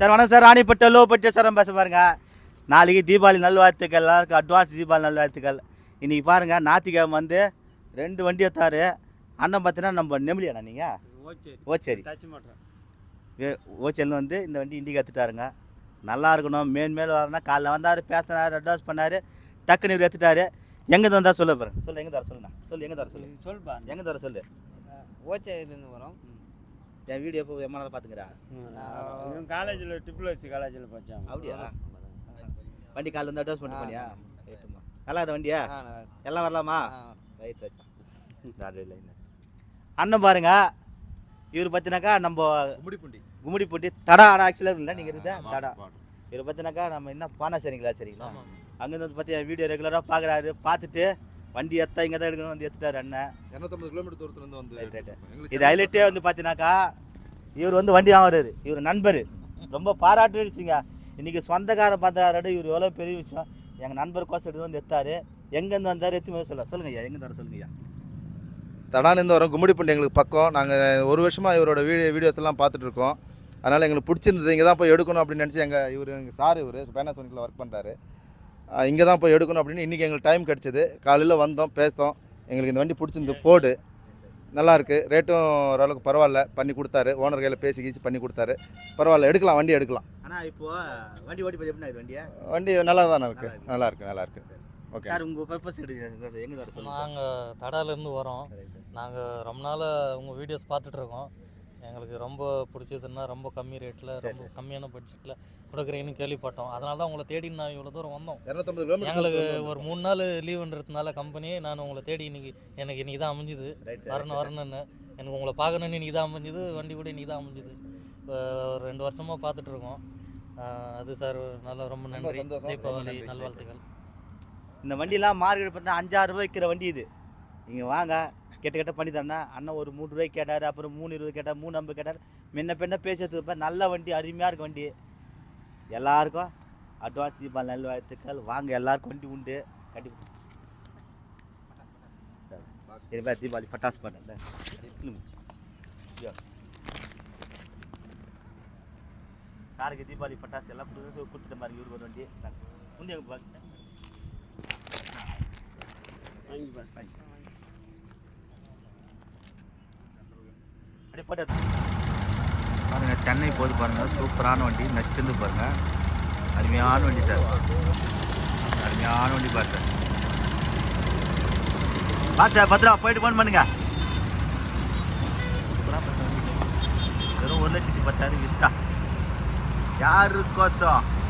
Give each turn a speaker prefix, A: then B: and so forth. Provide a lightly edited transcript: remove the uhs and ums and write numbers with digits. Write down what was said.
A: Sir வணக்கம் sir. ராணிப்பட்ட low budget sir பேச பாருங்க. நாளைக்கு தீபாவளி நல்வாழ்த்துக்கள், எல்லாருக்கும் அட்வான்ஸ் தீபாவளி நல்வாழ்த்துக்கள். இன்றைக்கி பாருங்கள், ஞாயிற்றுக்கிழமை வந்து 2 வண்டி எடுத்தார் அண்ணன். பார்த்தீங்கன்னா நம்ம நெமிலியாண்ணா நீங்கள் ஓச்சேரி ஓச்சேரியில் வந்து இந்த வண்டி இண்டிகா எடுத்துட்டாருங்க. நல்லா இருக்கணும், மேல் வரணும். காலைல வந்தார், பேசினார், அட்வான்ஸ் பண்ணார், டக்குன்னு இவர் எடுத்துட்டாரு. எங்கே வந்தால் சொல்ல பாருங்க. சொல்லு எங்கே தர சொல்லுண்ணா. சொல்லு எங்கே தர சொல்லு. சொல்லுப்பா எங்கே தர சொல்லு.
B: ஓச்சேரியிலேருந்து வரோம்.
A: என் வீடியோ எப்போ எம்மா நாள் பார்த்துக்கிறா.
C: காலேஜில் ட்ரிபிள்எஸ்சி காலேஜில் படித்தான்.
A: அப்படியா? வண்டி காலைல வந்து அட்வான்ஸ் பண்ணி பண்ணியா? நல்லா இந்த வண்டியா எல்லாம் வரலாமா? ரைட் வச்சா அண்ணன் பாருங்க. இவர் பார்த்தினாக்கா நம்ம கும்மிடிப்பூண்டி தடா. ஆனால் ஆக்சுவலாக இல்லை, நீங்கள் இருந்தா தடா. இவர் பார்த்தினாக்கா நம்ம என்ன பானா சரிங்களா? சரிங்களா? அங்கேருந்து வந்து பார்த்தி வீடியோ ரெகுலராக பார்க்குறாரு. பார்த்துட்டு வண்டி எத்தா இங்கே தான் எடுக்கணும் வந்து எடுத்துட்டாரு அண்ணன்.
D: 250 கிலோமீட்டர் தூரத்துலேருந்து வந்து
A: இது ஹைலைட்டே வந்து பார்த்தினாக்கா இவர் வந்து வண்டி வாங்குறாரு. இவர் நண்பர் ரொம்ப பாராட்டுச்சுங்க. இன்றைக்கி சொந்தக்கார பார்த்தாரோட இவர் எவ்வளோ பெரிய விஷயம். எங்கள் நண்பர் கோசம் எடுத்து வந்து எடுத்தார். எங்கேருந்து வந்தார் எத்தனை சொல்லுங்கள் ஐயா. எங்கே தர சொல்லுங்க ஐயா.
D: தடாலேருந்து வரோம். கும்மிடிப்பூண்டி எங்களுக்கு பக்கம். நாங்கள் 1 வருஷமாக இவரோட வீடியோஸ் எல்லாம் பார்த்துட்ருக்கோம். அதனால் எங்களுக்கு பிடிச்சிருந்தது. இங்கே தான் போய் எடுக்கணும் அப்படின்னு நினச்சி எங்கள் சார் இவர் பேனாசோனிக்கில் ஒர்க் பண்ணுறாரு. இங்கே தான் போய் எடுக்கணும் அப்படின்னு இன்றைக்கி எங்களுக்கு டைம் கிடச்சிது. காலையில் வந்தோம், பேசினோம். எங்களுக்கு இந்த வண்டி பிடிச்சிருந்து. ஃபோர்டு நல்லாயிருக்கு, ரேட்டும் ஓரளவுக்கு பரவாயில்ல. பண்ணி கொடுத்தாரு. ஓனர் கையில் பேசி பண்ணி கொடுத்தாரு. பரவாயில்ல, எடுக்கலாம், வண்டி எடுக்கலாம்.
A: ஆனால் இப்போது வண்டி ஓட்டி எப்படி இது
D: வண்டி நல்லா தானே இருக்குது. நல்லாயிருக்கு. ஓகே
A: சார், உங்கள் பர்பஸ் எடுத்து எங்கே வர சொல்லுங்கள்.
E: நாங்கள் தடாலேருந்து வரோம். நாங்கள் ரொம்ப நாள் உங்கள் வீடியோஸ் பார்த்துட்ருக்கோம். எங்களுக்கு ரொம்ப பிடிச்சதுன்னா ரொம்ப கம்மி ரேட்டில், ரொம்ப கம்மியான பட்ஜெட்டில் கொடுக்குறீங்கன்னு கேள்விப்பட்டோம். அதனால தான் உங்களை தேடி நான் இவ்வளோ தூரம் வந்தோம்.
D: 250 கிலோமீட்டர்
E: எங்களுக்கு ஒரு 3 நாள் லீவுன்றதுனால கம்பெனி நான் உங்களை தேடி எனக்கு இன்றைக்கி தான் அமைஞ்சுது. வரணுன்னு எனக்கு உங்களை பார்க்கணுன்னு இன்றைக்கி தான் அமைஞ்சுது. வண்டி கூட இன்றைக்கி தான் அமைஞ்சுது. இப்போ ஒரு 2 வருஷமாக பார்த்துட்ருக்கோம். அது சார் நல்லா ரொம்ப நன்றி. தீபாவளி நல்வாழ்த்துக்கள்.
A: இந்த வண்டியெலாம் மார்க்கெட் பார்த்தா 5-6 ரூபாய் விற்கிற வண்டி இது. நீங்கள் வாங்க, கெட்ட பண்ணி தரேன்னா அண்ணன் ஒரு 3 ரூபாய்க்கு கேட்டார். அப்புறம் 3.20 கேட்டார், 3.50 கேட்டார். முன்ன பின்ன பேசிட்டு இருப்பேன். நல்ல வண்டி, அருமையாக இருக்கு வண்டி. எல்லாருக்கும் அட்வான்ஸ் தீபாவளி நல்வாழ்த்துக்கள். வாங்க, எல்லாருக்கும் வண்டி உண்டு கண்டிப்பாக. சரி பா, தீபாவளி பட்டாசு பாட்டேன். சாருக்கு தீபாவளி பட்டாசு எல்லாம் கொடுத்துட்ட மாதிரி இவருக்கு ஒரு வண்டி முந்தைய அப்படியே போட்டு பாருங்க. சென்னை போது பாருங்க, சூப்பரான வண்டி, நச்சுந்து பாருங்க. அருமையான வண்டி சார், அருமையான வண்டி பாரு சார். சார் பத்திரா போயிட்டு ஃபோன் பண்ணுங்க. வெறும் 1,10,000 இஷ்டா யாருக்கோசம்